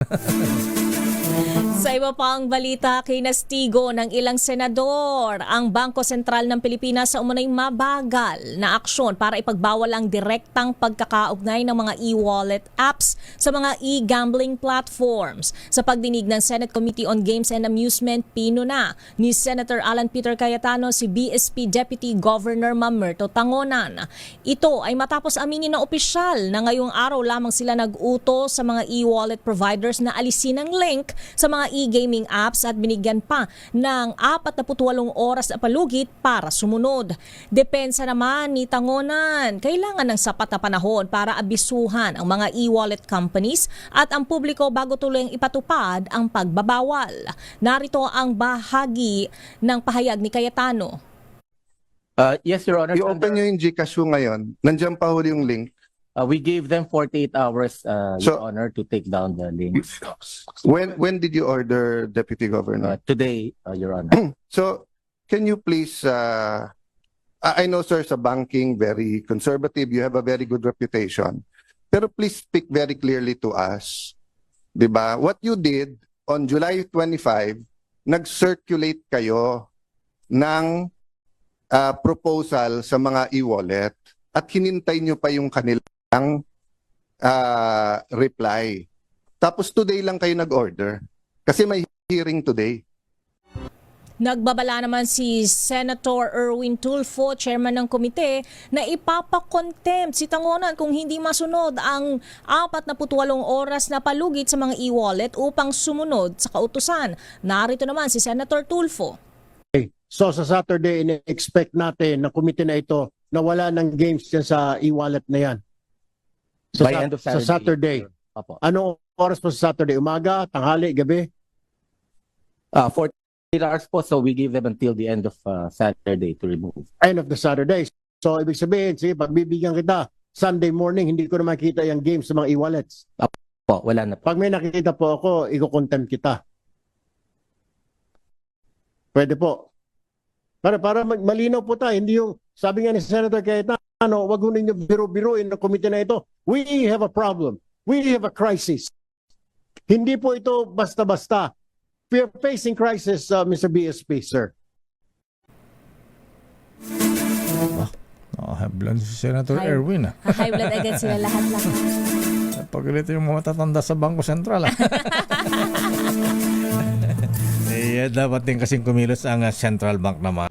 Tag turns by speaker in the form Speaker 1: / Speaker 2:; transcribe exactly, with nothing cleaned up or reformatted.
Speaker 1: Sa iba pang balita, kinastigo ng ilang senador ang Bangko Sentral ng Pilipinas sa umunay mabagal na aksyon para ipagbawal ang direktang pagkakaugnay ng mga e-wallet apps sa mga e-gambling platforms. Sa pagdinig ng Senate Committee on Games and Amusement, pinuna ni Senator Alan Peter Cayetano si B S P Deputy Governor Mamerto Tangonan. Ito ay matapos aminin ng opisyal na ngayong araw lamang sila nag-utos sa mga e-wallet providers na alisin ang link sa mga e-gaming apps at binigyan pa ng apat na putwalong oras na palugit para sumunod. Depensa naman ni Tangonan, kailangan ng sapat na panahon para abisuhan ang mga e-wallet companies at ang publiko bago tuluyang ipatupad ang pagbabawal. Narito ang bahagi ng pahayag ni Cayetano.
Speaker 2: Uh, yes, Your Honor.
Speaker 3: I-open nyo yung Gcash mo ngayon. Nandiyan pa huli yung link.
Speaker 2: Uh, we gave them forty-eight hours, uh,
Speaker 3: So-
Speaker 2: Your Honor, to take down the links.
Speaker 3: When when did you order, Deputy Governor?
Speaker 2: Uh, today, uh, Your Honor.
Speaker 3: So, can you please, uh, I I know, sir, sa banking, very conservative. You have a very good reputation. Pero please speak very clearly to us. Diba? What you did on July twenty-fifth, nag-circulate kayo ng uh, proposal sa mga e-wallet at hinintay nyo pa yung kanilang uh, reply. Tapos today lang kayo nag-order. Kasi may hearing today.
Speaker 1: Nagbabala naman si Senator Erwin Tulfo, chairman ng komite, na ipapakontempt si Tangonan kung hindi masunod ang apat na putwalong oras na palugit sa mga e-wallet upang sumunod sa kautusan. Narito naman si Senator Tulfo.
Speaker 4: So sa Saturday, ina-expect natin na komite na ito na wala ng games dyan sa e-wallet na yan. Sa,
Speaker 2: By
Speaker 4: sa,
Speaker 2: end of
Speaker 4: sa
Speaker 2: Saturday.
Speaker 4: Saturday.
Speaker 2: Opo.
Speaker 4: Anong oras po sa Saturday? Umaga, tanghali, gabi?
Speaker 2: Uh, forty-eight hours po, so we give them until the end of uh, Saturday to remove.
Speaker 4: End of the Saturday. So ibig sabihin, sige, pagbibigyan kita, Sunday morning, hindi ko na makita yung games sa mga e-wallets.
Speaker 2: Po, wala na po.
Speaker 4: Pag may nakikita po ako, iko-contempt kita. Pwede po. Para, para mag- malinaw po tayo, hindi yung, sabi nga ni Senator Cayetano, wag ho ninyo biro-biruin na komite na ito. We have a problem. We have a crisis. Hindi po ito basta-basta. We are facing crisis, uh, Mister B S P, sir.
Speaker 5: Oh, high blood si Senator
Speaker 1: High-
Speaker 5: Erwin. Ah.
Speaker 1: High blood agad sila lahat-lahat.
Speaker 5: Pagkalito yung mga matatanda sa Bangko Sentral. Ah. eh, dapat din kasing kumilos ang ah, Central Bank naman.